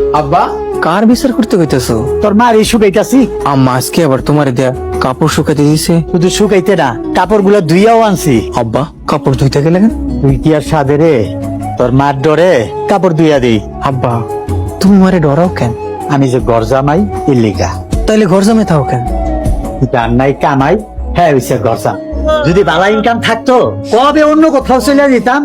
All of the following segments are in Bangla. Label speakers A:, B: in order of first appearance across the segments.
A: আব্বা কার বিচার করতে কইতেছো?
B: তোর মার এই শুকাইতাছি।
A: আম্মা আজকে আবার তোমার দেয়া কাপড় শুকাতে দিছে।
B: শুধু শুকাইতে না, কাপড় গুলো ধুইয়াও আনছি।
A: আব্বা কাপড় ধুইতে গেলে কেন?
B: তুই কি আর সাদে রে? তোর মার ডরে কাপড় ধুইয়া দিই।
A: আব্বা তুমি মারে ডরাও কেন?
B: আমি যে ঘর জামাই ইল্লিগা।
A: তাইলে ঘর জামাই থাও কেন?
B: যার নাই কামাই, হ্যাঁ হইছে ঘর জাম। যদি ভালো ইনকাম থাকতো কবে অন্য কোথাও চলে যেতাম।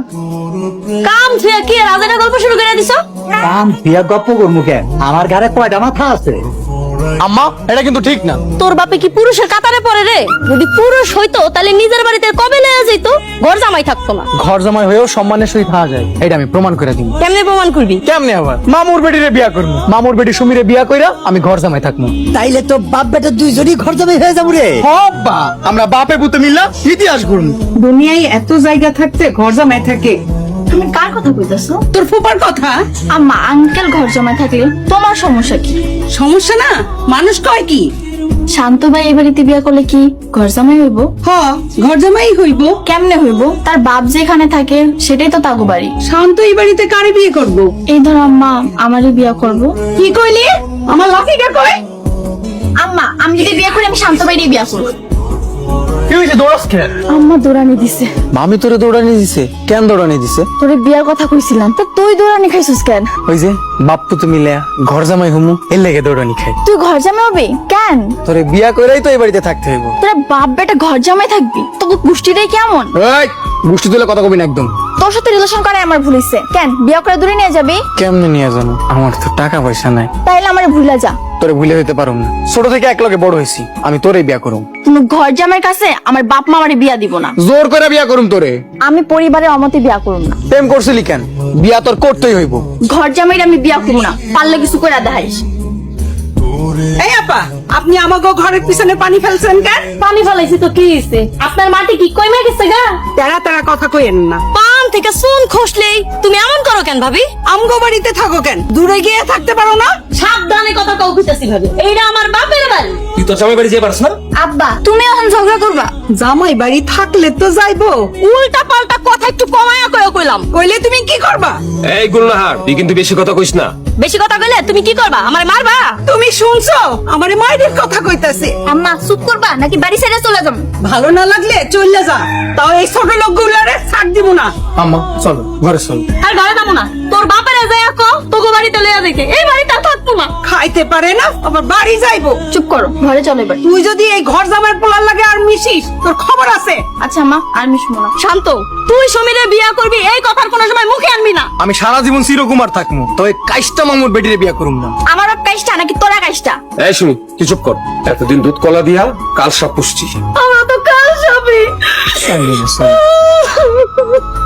C: কাম থুয়া কি রাজাটা গল্প শুরু করে দিছো?
B: কাম দিয়া গপ্প করবো কেন? আমার ঘরে কয়টা মাথা আছে?
A: আম্মা এটা কিন্তু ঠিক না।
C: তোর বাপে কি পুরুষের কাতারে পড়ে রে? যদি পুরুষ হইতো তাহলে নিজের বাড়িতে কবে লয়ে যাইতো, ঘর জামাই থাকতো না।
A: ঘর জামাই হয়েও সম্মানের সহিত থাকা যায়, এটা আমি প্রমাণ করে দিব।
C: কেমনে প্রমাণ করবি?
A: কেমনে আবার? মামুর বেটিরে বিয়া করবো, মামুর বেটি সুমিরে বিয়া কইরা আমি ঘর জামাই থাকবো।
B: তাইলে তো বাপ বেটা দুইজনই ঘর জামাই হয়ে যাবো রে।
A: হব্বা আমরা বাপে পুতে মিললা ইতিহাস করবো।
D: দুনিয়ায় এত জায়গা থাকতে ঘর জামাই থাকে।
C: তুমি কার কথা কইতাছো?
D: তোর ফুপার কথা।
C: আম্মা আঙ্কেল ঘর জামাই থাকলে তোমার সমস্যা কি?
D: সমস্যা না, মানুষ কয় কি?
C: শান্ত ভাই এই বাড়িতে বিয়া করলে কি ঘর জামাই হইব?
D: হ, ঘর জামাই হইব।
C: কেমনে হইব? তার বাপ যেখানে থাকে সেটাই তো তাগো বাড়ি।
D: শান্ত এই বাড়িতে কারে বিয়ে করব?
C: এই ধর আম্মা আমারই বিয়া করব।
D: কি কইলি? আমার লাকিটা কই?
C: আম্মা আমি যদি বিয়া করি আমি শান্ত ভাইরই বিয়া করব।
A: কি হয়েছে দৌড়াস কেন?
C: আম্মা দৌড়ানি দিছে।
A: মামি তোরে দৌড়ানি দিছে? কেন দৌড়ানি দিছে?
C: তোরে বিয়ার কথা কইছিলাম তো তুই দৌড়ানি খাইছিস কেন?
A: ওই যে বাপ্পু তো মিলে ঘর জামাই হুমু এর লেগে দৌড়ানি খাই।
C: তুই ঘর জামাই হবি কেন?
A: তোরে বিয়া কইরাই তো এই বাড়িতে থাকতে হইব।
C: তোরা বাপ বেটা ঘর জামাই থাকবি? তোকে গোষ্ঠীটাই কেমন?
A: এই গুষ্টি তুলে কথা কবি না একদম।
C: তোর সাথে রিলেশন করে আমার ভুল হইছে। কেন বিয়া করে দূরে নিয়ে যাবি?
A: কেমনে নিয়ে জানো? আমার তো টাকা পয়সা নাই।
C: তাইলে আমার ভুলে যা।
A: তোরে ভুলে হইতে পারুম না, ছোট থেকে এক লগে বড় হয়েছি, আমি তোরে বিয়া করুম।
C: তুমি ঘর জামাইয়ের কাছে আমার বাপ মা আমারে বিয়া দিব না।
A: জোর করে বিয়া করুম তোরে।
C: আমি পরিবারের অমতে বিয়া করব না।
A: প্রেম করছিলি কেন? বিয়া তোর করতেই হইব।
C: ঘর জামাইর আমি বিয়া করব না, পারলে কিছু করে দেখাইস।
D: এই আপা, আপনি আমাকে ঘরের পিছনে পানি ফেলছেন কেন?
C: পানি ফেলাইছি তো কি হইছে? আপনার মাটি কি কইমা গেছে গা?
D: তেরা তেরা কথা কইেন না।
C: পান থেকে চুন খসলেই তুমি এমন করো কেন ভাবি?
D: আমগো বাড়িতে থাকো কেন? দূরে গিয়ে থাকতে পারো না?
C: সাবধানে কথা কও কইতাছি ভাবি। এইটা আমার বাপের বাড়ি।
E: তুই তোর জামাই বাড়ি যেতে পারছ না?
C: আব্বা তুমি এখন ঝগড়া করবা?
D: জামাই বাড়ি থাকলে তো যাইবো।
C: উল্টা পাল্টা কথা একটু কমায়া কইলাম।
D: কইলে তুমি কি করবা?
E: এই গুলনাহার, তুই কিন্তু বেশি কথা কইস না।
C: বেশি কথা কইলে তুমি কি করবা? আমারে মারবা?
D: তুমি শুনছো আমারে মায়ের কথা কইতাছে।
C: আম্মা চুপ করবা নাকি বাড়ি ছেড়ে চলে যাবো?
D: ভালো না লাগলে চলে যা, তাও এই ছোট লোকগুলারে ছাড় দিব না।
A: আম্মা চলো ঘরে চল।
C: আর ঘরে যাবো না, তোর বাপের যাইয়া কো তোকে বাড়িতে লইয়া যাইতে। এই বাড়িতে আর থাকবো না।
D: খাইতে পারে না আবার বাড়ি যাইবো।
C: চুপ করো, ঘরে চলো এবার।
D: তুই যদি এই ঘর জামাই পোলার লাগে আর মিশিস, তোর খবর আছে।
C: আচ্ছা মা আর মিশবো না। শান্ত, তুই সমীরে বিয়া করবি এই কথার কোনো সময় মুখে আনবি না।
A: আমি সারা জীবন চিরকুমার থাকবো, তবে কাইস্টা মামুর বেটিরে বিয়া করুম না।
C: আমার বাপ কাইষ্টা নাকি তোরা কাইষ্টা?
E: এই শুনি, তুই চুপ কর। এতদিন দুধ কলা দিয়া কাল সব পুষছি।
C: আমরা তো কাল সবই